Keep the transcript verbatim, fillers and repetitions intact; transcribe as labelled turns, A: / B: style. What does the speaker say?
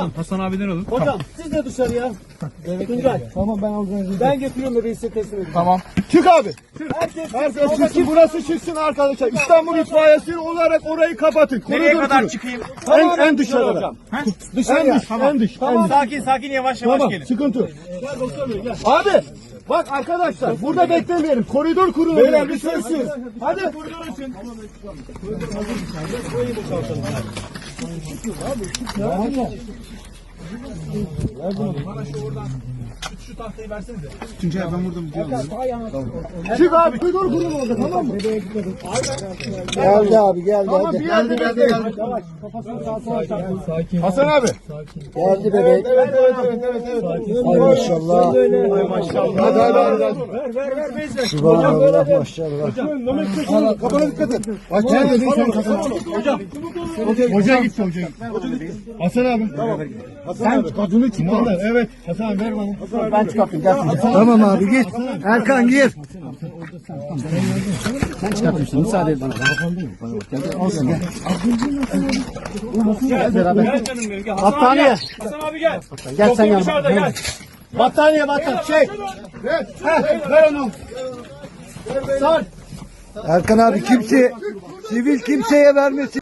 A: Hasan abiden alın.
B: Hocam siz de dışarıya. Tuncay. Tamam ben alacağım. Ben getiriyorum bebeği size teslim edeyim.
C: Tamam.
B: Çık abi. Herkes, Herkes çıksın. Burası çıksın arkadaşlar. İstanbul itfaiyesi olarak orayı kapatın.
A: Nereye
B: Koridor
A: kadar
B: kurun.
A: çıkayım?
B: En, en dışarıda. Hocam. Dışarıya. En dış. En dış.
A: Tamam. Sakin sakin yavaş yavaş
B: Tamam.
A: gelin.
B: Sıkıntı yok. Gel doktor bey gel. Abi. Bak arkadaşlar burada beklemeyelim. Koridor kurun. Beyler bir sessiz. Hadi. Koridor açın. Bana şu oradan şu tahtayı versenize.
C: Tuncay ben burada mı diyorum?
B: Çık abi. Koridor kurun orada tamam mı?
D: Geldi abi geldi.
B: Tamam bir
D: Geldi,
B: yerde
D: geldi,
B: bekleyin.
D: geldi.
B: Yavaş. Kafasını sağa sola çarpın. Hasan abi.
D: Geldi bebek.
B: Evet evet evet evet. evet.
D: Ay maşallah.
B: Ay maşallah. Hadi hadi hadi. Ver ver ver bezle.
D: Subhanallah maşallah.
B: Hocam kafana dikkat et. Aç sen dedin sen kafana. Hocam. Hoca gitti hoca. Hasan abi. Sen kadını çıkar. Evet. Hasan abi ver bana.
D: Ben çıkarttım gel. Tamam abi git. Erkan gir. Sen çıkartmışsın müsaade et bana. Olsun gel. Gel beraber.
A: Gel canım benim gel.
B: Battaniye.
A: Hasan abi gel.
D: Gel sen
A: Doktor dışarıda
D: yanıma.
A: gel.
B: Battaniye battaniye. Şey. Ver. Heh, ver onu. Sar.
D: Erkan abi kimse sivil kimseye vermesin.